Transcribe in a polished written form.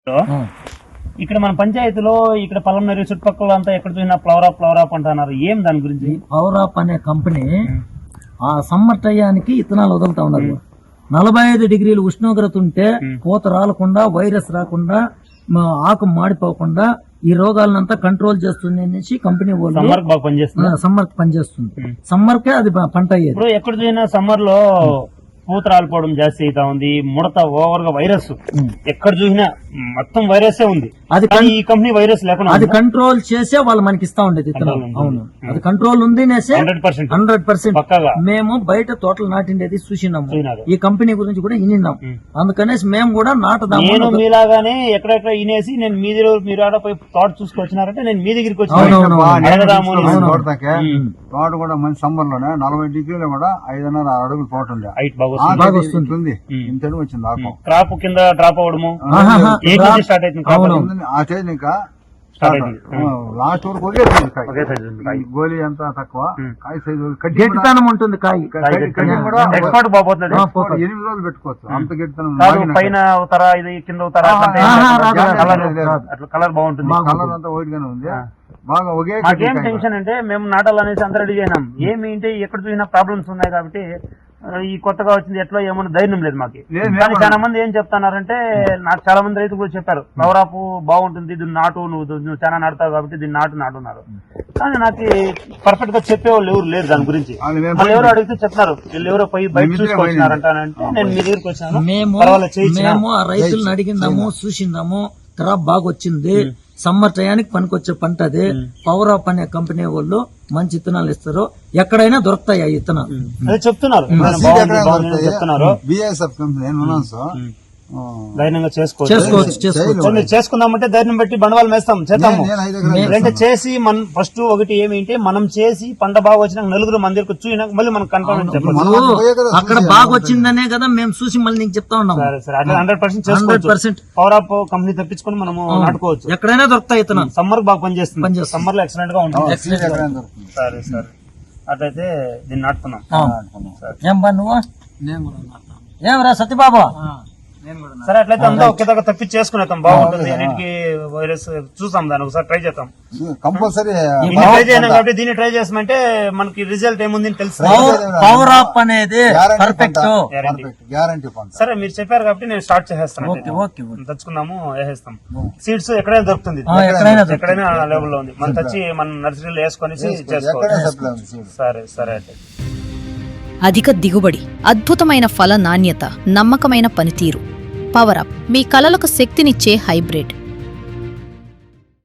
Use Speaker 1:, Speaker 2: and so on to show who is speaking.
Speaker 1: ఇక్కడ మన పంచాయతీలో ఇక్కడ పల్లంనేరు చుట్టుపక్కల అంతా ఎక్కడ చూసినా ఫ్లవర్ అప్ అంటున్నారు. ఏం దాని గురించి?
Speaker 2: ఫ్లవర్ అప్ అనే కంపెనీ ఆ సమ్మర్ టయానికి ఇత్తనాలు వదులుతా ఉన్నారు. 45 డిగ్రీలు ఉష్ణోగ్రత ఉంటే పూత రాలకుండా, వైరస్ రాకుండా, ఆకు మాడిపోకుండా ఈ రోగాలనంతా కంట్రోల్ చేస్తుంది అనేసి కంపెనీ వాళ్ళు సమ్మర్ పనిచేస్తుంది. సమ్మర్ కే అది పంట అయ్యేది.
Speaker 1: ఇప్పుడు ఎక్కడ చూసినా సమ్మర్ లో పూత రాలిపోవడం జాస్తి అవుతా ఉంది, ముడత ఓవర్ గా వైరస్ ఎక్కడ చూసినా మొత్తం వైరస్ ఉంది. అది ఈ కంపెనీ వైరస్ లేకుండా
Speaker 2: అది కంట్రోల్ చేసే వాళ్ళు మనకి ఇస్తా ఉండేది. అవును, అది కంట్రోల్ ఉంది 100%. మేము బయట తోటలు నాటిండేది చూసినాము, ఈ కంపెనీ గురించి కూడా వినిన్నాం. అందుకనేసి మేము కూడా నాటుదాము.
Speaker 1: నేను మీలాగానే ఎక్కడెక్కడ వినేసి నేను మీరు ఆడ పోయి తోట చూసుకొచ్చినారంటే నేను మీ దగ్గరికి వచ్చి
Speaker 3: తోట కూడా మంచి సమ్మర్ లోనే 40 డిగ్రీలో కూడా 5.5 అడుగులు తోట ఉంది.
Speaker 1: క్రాప్ కింద డ్రాప్ అవడము స్టార్ట్ అవుతుంది.
Speaker 3: ఆ స్టేజ్ ఇంకా లాస్ట్ వరకు ఒకే సైజు గోలీ అంతా తక్కువ, కాయ సైజు
Speaker 2: గట్టితనం ఉంటుంది. కాయ
Speaker 3: కూడా 8 రోజులు పెట్టుకోవచ్చు. అంత గట్టితనం
Speaker 1: పైన అవుతారా ఇది కింద అవుతారా కలర్ బాగుంటుంది.
Speaker 3: కలర్ అంతా వైట్ గానే ఉంది. బాగా ఒకే
Speaker 1: ఏం టెన్షన్ అంటే మేము నాటాలనేసి అంతా రెడీ అయినాం. ఏమి అంటే ఎక్కడ చూసినా ప్రాబ్లమ్స్ ఉన్నాయి కాబట్టి ఈ కొత్తగా వచ్చింది ఎట్లా ఏమన్నా ధైర్యం లేదు మాకు. కానీ చాలా మంది ఏం చెప్తున్నారంటే, నాకు చాలా మంది రైతులు కూడా చెప్పారు ఫ్లవర్ అప్ బాగుంటుంది, దీన్ని నాటు, నువ్వు చాలా నాటుతావు కాబట్టి దీన్ని నాటున్నారు. కానీ నాకు పర్ఫెక్ట్ గా చెప్పేవాళ్ళు ఎవరు లేరు దాని గురించి. వాళ్ళు ఎవరు అడిగితే చెప్తున్నారు వీళ్ళు ఎవరో పోయి బయట చూసుకొచ్చినారంటే నేను మీ దగ్గరికి వచ్చాను.
Speaker 2: మేము ఆ రైతులను అడిగిందాము, చూసిందాము, క్రాప్ బాగా వచ్చింది, సమ్మర్ టయానికి పనికొచ్చే పంట అది. పవర్ అప్ అనే కంపెనీ వాళ్ళు మంచి ఇత్తనాలు ఇస్తారు, ఎక్కడైనా దొరుకుతాయి ఆ ఇత్తనాలు.
Speaker 1: చెప్తున్నారు
Speaker 3: బిఎస్ఎఫ్ కంపెనీ
Speaker 1: ధైర్యంగా చేసుకోవచ్చు. చేసుకుందామంటే ధైర్యం పెట్టి బండవాళ్ళు వేస్తాం, చేద్దాము. అంటే చేసి మనం ఫస్ట్ ఒకటి ఏమిటి, మనం చేసి పంట బాగా వచ్చినాక నలుగురు మన దగ్గర చూసినాక మళ్ళీ మనం కన్ఫర్మ్ చెప్పాలి
Speaker 2: అక్కడ బాగా వచ్చిందనే కదా మేము చూసి మళ్ళీ నీకు చెప్తా ఉన్నాం.
Speaker 1: సరే అట్లా 100% పవర్ అప్ కంపెనీ తెప్పించుకొని మనము నాటుకోవచ్చు.
Speaker 2: ఎక్కడైనా దొరుకుతాయి ఇత్తనాలు.
Speaker 1: సమ్మర్ బాగా పనిచేస్తుంది, సమ్మర్ లో ఎక్సలెంట్ గా ఉంటుంది. సరే అట్లయితే దీన్ని నాటుకున్నాం.
Speaker 2: ఏం పని నువ్వు ఏమరా సత్యబాబు?
Speaker 1: సరే అట్లయితే అంతా ఒకే దగ్గర తప్పించి చేసుకునేద్దాం, బాగుంటుంది. అన్నిటికీ వైరస్ చూసాం, దాన్ని ఒకసారి ట్రై చేద్దాం.
Speaker 3: కంపల్సరీ
Speaker 1: ట్రై చేయను కాబట్టి దీన్ని ట్రై చేసామంటే మనకి రిజల్ట్ ఏముంది తెలుసు.
Speaker 2: పవర్ అప్ అనేది పర్ఫెక్ట్
Speaker 3: గ్యారంటీ.
Speaker 1: సరే మీరు చెప్పారు కాబట్టి నేను స్టార్ట్ చేసేస్తాను. తెచ్చుకుందాము, వేసేస్తాం. సీడ్స్ ఎక్కడైనా దొరుకుతుంది, ఎక్కడైనా అవైలబుల్ లో ఉంది. మనం తెచ్చి మన నర్సరీలో వేసుకొని చేసుకోవాలి. సరే అయితే
Speaker 4: అధిక దిగుబడి, అద్భుతమైన ఫల నాణ్యత, నమ్మకమైన పనితీరు. పవర్ అప్ మీ కలలకు శక్తినిచ్చే హైబ్రిడ్.